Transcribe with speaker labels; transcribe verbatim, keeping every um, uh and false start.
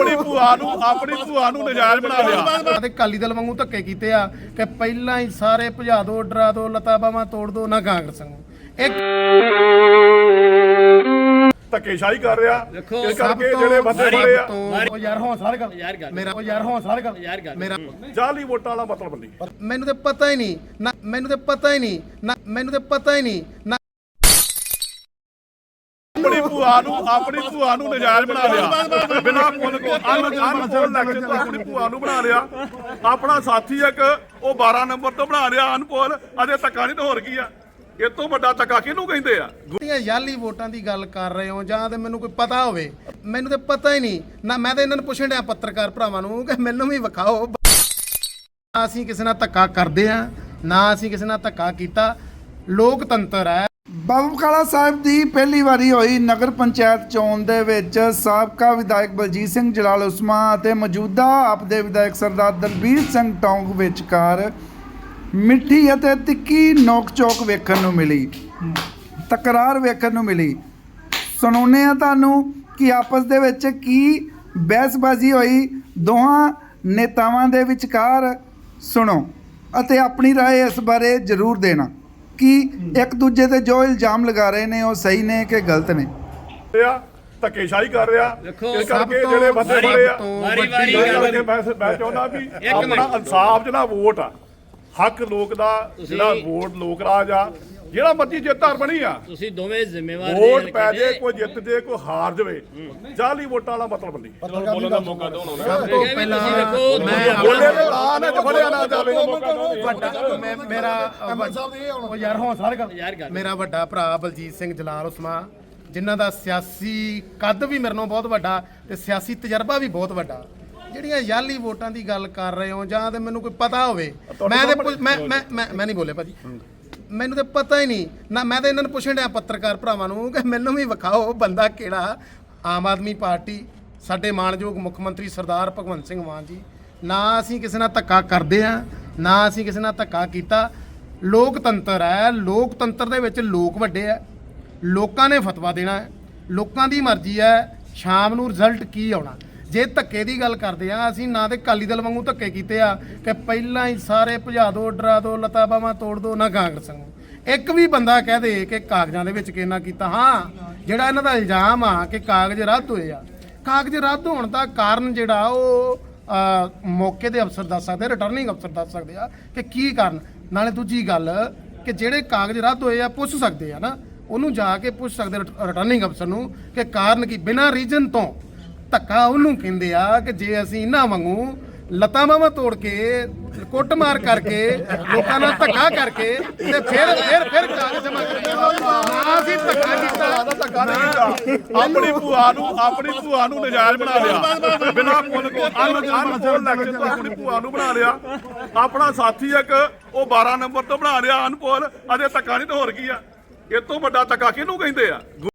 Speaker 1: ਆਪਣੀ ਭੂਆ ਨੂੰ ਆਪਣੀ ਭੂਆ ਨੂੰ ਨਜਾਇਜ਼ ਬਣਾ ਲਿਆ
Speaker 2: ਤੇ ਅਕਾਲੀ ਦਲ ਵਾਂਗੂ ਧੱਕੇ ਕੀਤੇ ਆ ਕਿ ਪਹਿਲਾਂ ਹੀ ਸਾਰੇ ਭਜਾ ਦੋ, ਡਰਾ ਦੋ, ਲਤਾ ਬਾਹਾਂ ਤੋੜ ਦੋ ਨਾ ਕਾਂਗਰਸ ਨੂੰ। ਇੱਕ
Speaker 1: ਧੱਕੇਸ਼ਾਹੀ ਕਰ ਰਿਹਾ ਇਸ ਕਰਕੇ ਜਿਹੜੇ ਬੰਦੇ ਬੜੇ ਆ
Speaker 2: ਉਹ ਯਾਰ ਹੌਸਲਾ ਕਰ ਮੇਰਾ ਉਹ ਯਾਰ ਹੌਸਲਾ ਕਰ ਮੇਰਾ
Speaker 1: ਜਾਲੀ ਵੋਟਾਂ ਵਾਲਾ ਮਤਲਬ ਨਹੀਂ।
Speaker 2: ਮੈਨੂੰ ਤੇ ਪਤਾ ਹੀ ਨਹੀਂ ਨਾ ਮੈਨੂੰ ਤੇ ਪਤਾ ਹੀ ਨਹੀਂ ਨਾ ਮੈਨੂੰ ਤੇ ਪਤਾ ਹੀ ਨਹੀਂ ਨਾ
Speaker 1: ਆਪਣੀ ਭੂਆ ਨੂੰ ਆਪਣੀ ਭੂਆ ਨੂੰ ਨਜਾਇਜ਼ ਬਣਾ ਲਿਆ ਬਿਨਾਂ ਪੁੱਲ ਕੋ ਅਨਪੋਲ ਲੈਕਚਰ ਤੋਂ ਆਪਣੀ ਭੂਆ ਨੂੰ ਬਣਾ ਲਿਆ। ਆਪਣਾ ਸਾਥੀ ਇੱਕ ਉਹ ਬਾਰਾਂ ਨੰਬਰ ਤੋਂ ਬਣਾ ਲਿਆ ਅਨਪੋਲ। ਅਜੇ ਧੱਕਾ ਨਹੀਂ ਤਾਂ ਹੋਰ ਕੀ ਆ? ਇਹ ਤੋਂ ਵੱਡਾ ਧੱਕਾ ਕਿਹਨੂੰ ਕਹਿੰਦੇ ਆ?
Speaker 2: ਗੁੱਟੀਆਂ ਯਾਲੀ ਵੋਟਾਂ ਦੀ ਗੱਲ ਕਰ ਰਹੇ ਹੋ ਜਾਂ ਤੇ ਮੈਨੂੰ ਕੋਈ ਪਤਾ ਹੋਵੇ। ਮੈਨੂੰ ਤੇ ਪਤਾ ਹੀ ਨਹੀਂ ਨਾ। ਮੈਂ ਤਾਂ ਇਹਨਾਂ ਨੂੰ ਪੁੱਛਣ ਡਿਆ ਪੱਤਰਕਾਰ ਭਰਾਵਾਂ ਨੂੰ ਕਿ ਮੈਨੂੰ ਵੀ ਵਿਖਾਓ। ਅਸੀਂ ਕਿਸੇ ਨਾਲ ਧੱਕਾ ਕਰਦੇ ਆ ਨਾ ਅਸੀਂ ਕਿਸੇ ਨਾਲ ਧੱਕਾ ਕੀਤਾ। ਲੋਕਤੰਤਰ ਹੈ।
Speaker 3: ਬਾਬਾ ਬਕਾਲਾ ਸਾਹਿਬ ਦੀ ਪਹਿਲੀ ਵਾਰੀ ਹੋਈ ਨਗਰ ਪੰਚਾਇਤ ਚੋਣ ਦੇ ਵਿੱਚ ਸਾਬਕਾ ਵਿਧਾਇਕ ਬਲਜੀਤ ਸਿੰਘ ਜਲਾਲ ਉਸਮਾ ਅਤੇ ਮੌਜੂਦਾ ਆਪ ਦੇ ਵਿਧਾਇਕ ਸਰਦਾਰ ਦਲਬੀਰ ਸਿੰਘ ਟੌਂਗ ਵਿਚਕਾਰ ਮਿੱਠੀ ਅਤੇ ਤਿੱਖੀ ਨੋਕ ਝੋਕ ਵੇਖਣ ਨੂੰ ਮਿਲੀ, ਤਕਰਾਰ ਵੇਖਣ ਨੂੰ ਮਿਲੀ। ਸੁਣਾਉਂਦੇ ਆ ਤੁਹਾਨੂੰ ਕਿ ਆਪਸ ਦੇ ਵਿੱਚ ਕੀ ਬਹਿਸਬਾਜ਼ੀ ਹੋਈ ਦੋਹਾਂ ਨੇਤਾਵਾਂ ਦੇ ਵਿਚਕਾਰ। ਸੁਣੋ ਅਤੇ ਆਪਣੀ ਰਾਏ ਇਸ ਬਾਰੇ ਜ਼ਰੂਰ ਦੇਣਾ ਕਿ ਇੱਕ ਦੂਜੇ ਤੇ ਜੋ ਇਲਜ਼ਾਮ ਲਗਾ ਰਹੇ ਨੇ ਉਹ ਸਹੀ ਨੇ ਕਿ ਗਲਤ ਨੇ।
Speaker 1: ਧੱਕੇਸ਼ਾਹੀ ਕਰ ਰਿਹਾ ਇਸ ਕਰਕੇ ਜਿਹੜੇ ਬੰਦੇ ਬੜੇ ਆ ਮੈਂ ਚਾਹੁੰਦਾ ਵੀ ਆਪਣਾ ਇਨਸਾਫ ਜਿਹੜਾ ਵੋਟ ਆ ਹੱਕ ਲੋਕ ਦਾ ਜਿਹੜਾ ਵੋਟ ਲੋਕ ਰਾਜ ਆ ਜਿਹੜਾ ਮਰਜੀ ਜਿੱਤ ਹਾਰ ਬਣੀ ਆ ਤੁਸੀਂ ਦੋਵੇਂ ਜ਼ਿੰਮੇਵਾਰ ਵੋਟ ਪੈ ਜੇ ਕੋਈ ਜਿੱਤ ਜੇ ਕੋਈ ਹਾਰ ਜਾਵੇ ਜਾਲੀ ਵੋਟਾਂ ਵਾਲਾ ਮਤਲਬ ਨਹੀਂ। ਬੋਲਣ ਦਾ ਮੌਕਾ ਦਿਓ ਹੁਣ।
Speaker 2: ਸਭ ਤੋਂ ਪਹਿਲਾਂ ਮੈਂ
Speaker 1: ਬੋਲੇ ਦੇ ਲਾ ਨਾ ਫੜਿਆ ਨਾ ਜਾਵੇ
Speaker 2: ਮੈਂ ਮੇਰਾ ਉਹ ਯਾਰ ਹੌਸਲਾ ਕਰ ਮੇਰਾ ਵੱਡਾ ਭਰਾ ਬਲਜੀਤ ਸਿੰਘ ਜਲਾਲ ਉਸਮਾ ਜਿਨ੍ਹਾਂ ਦਾ ਸਿਆਸੀ ਕੱਦ ਵੀ ਮੇਰੇ ਨਾਲੋਂ ਬਹੁਤ ਵੱਡਾ ਤੇ ਸਿਆਸੀ ਤਜਰਬਾ ਵੀ ਬਹੁਤ ਵੱਡਾ। ਜਿਹੜੀਆਂ ਯਾਲੀ ਵੋਟਾਂ ਦੀ ਗੱਲ ਕਰ ਰਹੇ ਹੋ ਜਾਂ ਤੇ ਮੈਨੂੰ ਕੋਈ ਪਤਾ ਹੋਵੇ। ਮੈਂ ਤੇ ਮੈਂ ਮੈਂ ਮੈਂ ਨਹੀਂ ਬੋਲੇ ਭਾਜੀ। ਮੈਨੂੰ ਤੇ ਪਤਾ ਹੀ ਨਹੀਂ ਨਾ। ਮੈਂ ਤਾਂ ਇਹਨਾਂ ਨੂੰ ਪੁੱਛਣ ਡਿਆ ਪੱਤਰਕਾਰ ਭਰਾਵਾਂ ਨੂੰ ਕਿ ਮੈਨੂੰ ਵੀ ਵਿਖਾਓ ਬੰਦਾ ਕਿਹੜਾ। ਆਮ ਆਦਮੀ ਪਾਰਟੀ ਸਾਡੇ ਮਾਣਯੋਗ ਮੁੱਖ ਮੰਤਰੀ ਸਰਦਾਰ ਭਗਵੰਤ ਸਿੰਘ ਮਾਨ ਜੀ ਨਾ ਅਸੀਂ ਕਿਸੇ ਨਾਲ ਧੱਕਾ ਕਰਦੇ ਆ ਨਾ ਅਸੀਂ ਕਿਸੇ ਨਾਲ ਧੱਕਾ ਕੀਤਾ। ਲੋਕਤੰਤਰ ਹੈ। ਲੋਕਤੰਤਰ ਦੇ ਵਿੱਚ ਲੋਕ ਵੱਡੇ ਆ। ਲੋਕਾਂ ਨੇ ਫਤਵਾ ਦੇਣਾ ਹੈ। ਲੋਕਾਂ ਦੀ ਮਰਜ਼ੀ ਹੈ ਸ਼ਾਮ ਨੂੰ ਰਿਜ਼ਲਟ ਕੀ ਆਉਣਾ। ਜੇ ਧੱਕੇ ਦੀ ਗੱਲ ਕਰਦੇ ਆ ਅਸੀਂ ਨਾ ਤੇ ਅਕਾਲੀ ਦਲ ਵਾਂਗੂ ਧੱਕੇ ਕੀਤੇ ਆ ਕਿ ਪਹਿਲਾਂ ਹੀ ਸਾਰੇ ਭਜਾ ਦੋ, ਡਰਾ ਦੋ, ਲਤਾ ਬਾਹਾਂ ਤੋੜ ਦੋ ਨਾ ਕਾਂਗਰਸ ਨੂੰ। ਇੱਕ ਵੀ ਬੰਦਾ ਕਹਿ ਦੇ ਕਿ ਕਾਗਜ਼ਾਂ ਦੇ ਵਿੱਚ ਕਿੰਨਾ ਕੀਤਾ। ਹਾਂ ਜਿਹੜਾ ਇਹਨਾਂ ਦਾ ਇਲਜ਼ਾਮ ਆ ਕਿ ਕਾਗਜ਼ ਰੱਦ ਹੋਏ ਆ, ਕਾਗਜ਼ ਰੱਦ ਹੋਣ ਦਾ ਕਾਰਨ ਜਿਹੜਾ ਉਹ ਮੌਕੇ ਦੇ ਅਫਸਰ ਦੱਸ ਸਕਦੇ, ਰਿਟਰਨਿੰਗ ਅਫਸਰ ਦੱਸ ਸਕਦੇ ਆ ਕਿ ਕੀ ਕਾਰਨ। ਨਾਲੇ ਦੂਜੀ ਗੱਲ ਕਿ ਜਿਹੜੇ ਕਾਗਜ਼ ਰੱਦ ਹੋਏ ਆ ਪੁੱਛ ਸਕਦੇ ਆ ਨਾ, ਉਹਨੂੰ ਜਾ ਕੇ ਪੁੱਛ ਸਕਦੇ ਰਿਟਰਨਿੰਗ ਅਫਸਰ ਨੂੰ ਕਿ ਕਾਰਨ ਕੀ। ਬਿਨਾਂ ਰੀਜਨ ਤੋਂ ਧੱਕਾ ਉਹਨੂੰ ਕਹਿੰਦੇ ਆ ਕਿ ਜੇ ਅਸੀਂ ਇਹਨਾਂ ਵਾਂਗੂ ਲੱਤਾਂ ਬਾਹਾਂ ਤੋੜ ਕੇ ਕੁੱਟ ਮਾਰ ਕਰਕੇ ਲੋਕਾਂ ਨਾਲ ਧੱਕਾ ਕਰਕੇ ਤੇ ਫਿਰ ਫਿਰ ਫਿਰ ਕਾਗਜ਼ ਜਮ੍ਹਾਂ ਕਰਦੇ ਨਾ ਅਸੀਂ ਧੱਕਾ ਕੀਤਾ
Speaker 1: ਧੱਕਾ ਨਹੀਂ ਕੀਤਾ। ਆਪਣੀ ਭੂਆ ਨੂੰ ਆਪਣੀ ਭੂਆ ਨੂੰ ਨਜਾਇਜ਼ ਬਣਾ ਲਿਆ ਬਿਨਾਂ ਪੁੱਲ ਕੋ ਅਨਪੋਲ ਲੈਕਚਰ ਤੋਂ ਆਪਣੀ ਭੂਆ ਨੂੰ ਬਣਾ ਲਿਆ। ਆਪਣਾ ਸਾਥੀ ਇੱਕ ਉਹ ਬਾਰਾਂ ਨੰਬਰ ਤੋਂ ਬਣਾ ਲਿਆ ਅਨਪੋਲ। ਅਜੇ ਧੱਕਾ ਨਹੀਂ ਤਾਂ ਹੋਰ ਕੀ ਆ? ਇਹ ਤੋਂ ਵੱਡਾ ਧੱਕਾ ਕਿਹਨੂੰ ਕਹਿੰਦੇ ਆ?